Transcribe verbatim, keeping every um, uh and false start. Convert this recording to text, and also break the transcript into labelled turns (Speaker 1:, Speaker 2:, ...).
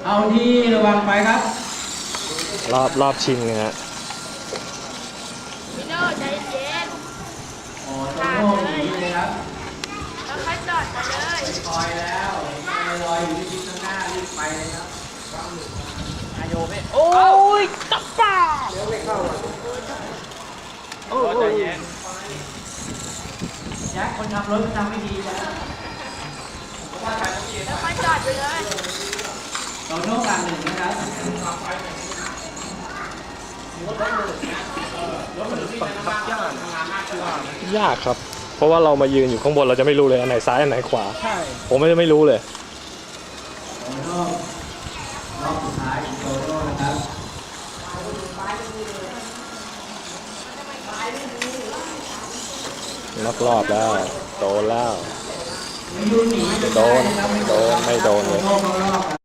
Speaker 1: เอาที่ระวังไปครับ
Speaker 2: รอบรอบชิงนะฮะ
Speaker 3: พี่โน่ใจเย็น
Speaker 1: โอ้โตโน่หนีเลยครับ
Speaker 3: แล้วค่อยจอดมาเลย
Speaker 1: คอยแล้วลอยอยู่ที่ข้างหน้ารีบไปเลยครับอาโยไม่โอ้ยตับป่าเดี๋ยวไม่เข้าอ่ะโอ้ใจเย็นแจ็คคนขับรถทำไม่ดีแล้ว
Speaker 3: แล้วค่อยจอดไปเลย
Speaker 1: โตโน่ฝั่งหนึ่งนะครับ
Speaker 2: ยากครับเพราะว่าเรามายืนอยู่ข้างบนเราจะไม่รู้เลยอันไหนซ้ายอันไหนขวาใช่ผมไม่ไม่รู้เลย
Speaker 1: โตโน่รอบสุดท้ายโตโน่นะครับ
Speaker 2: นอกรอบแล้วโดนแล้ว
Speaker 1: ไม่รู้หนี
Speaker 2: โดนโดนไม่โดนเลย